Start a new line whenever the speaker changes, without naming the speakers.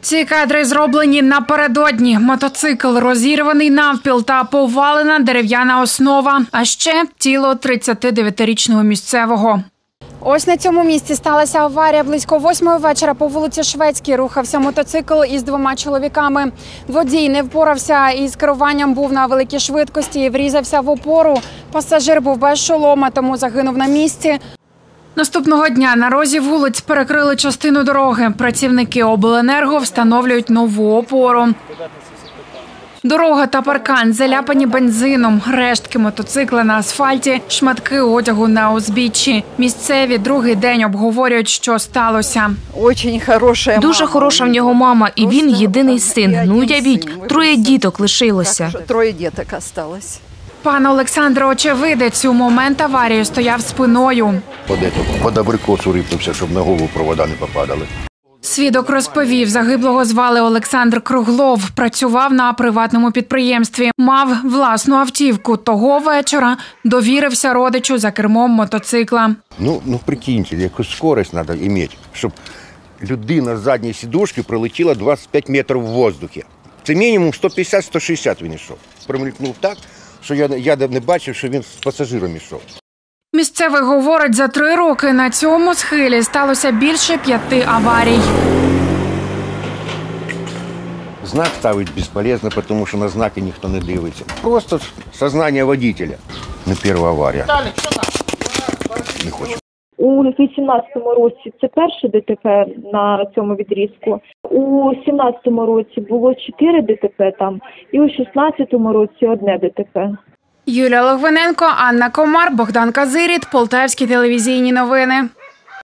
Ці кадри зроблені напередодні. Мотоцикл розірваний навпіл та повалена дерев'яна основа, а ще тіло 39-річного місцевого. Ось на цьому місці сталася аварія. Близько 8-ї вечора по вулиці Шведській рухався мотоцикл із 2 чоловіками. Водій не впорався із керуванням, був на великій швидкості і врізався в опору. Пасажир був без шолома, тому загинув на місці. Наступного дня на розі вулиць перекрили частину дороги. Працівники обленерго встановлюють нову опору. Дорога та паркан заляпані бензином, рештки мотоцикла на асфальті, шматки одягу на узбіччі. Місцеві другий день обговорюють, що сталося.
Дуже хороша в нього мама, і він єдиний син. Ну, уявіть, 3 діток лишилося.
3 діток залишилось.
Пан Олександр, очевидець, у момент аварії стояв спиною.
Під абрикосу рипнувся, щоб на голову провода не попадали.
Свідок розповів, загиблого звали Олександр Круглов, працював на приватному підприємстві, мав власну автівку. Того вечора довірився родичу за кермом мотоцикла.
Ну прикиньте, якусь скорость треба мати, щоб людина з задньої сідушки пролетіла 25 метрів в воздухі. Це мінімум 150-160 він йшов. Промелькнув так, що я не бачив, що він з пасажиром йшов.
Місцевий говорить, за 3 роки на цьому схилі сталося більше 5 аварій.
Знак ставити безполезно, тому що на знаки ніхто не дивиться. Просто сознання водителя. Не перша аварія. Не хочу.
У 2018 році це перше ДТП на цьому відрізку. У 2017 році було 4 ДТП там, і у 2016 році 1 ДТП.
Юлія Логвиненко, Анна Комар, Богдан Казиріт, Полтавські телевізійні новини.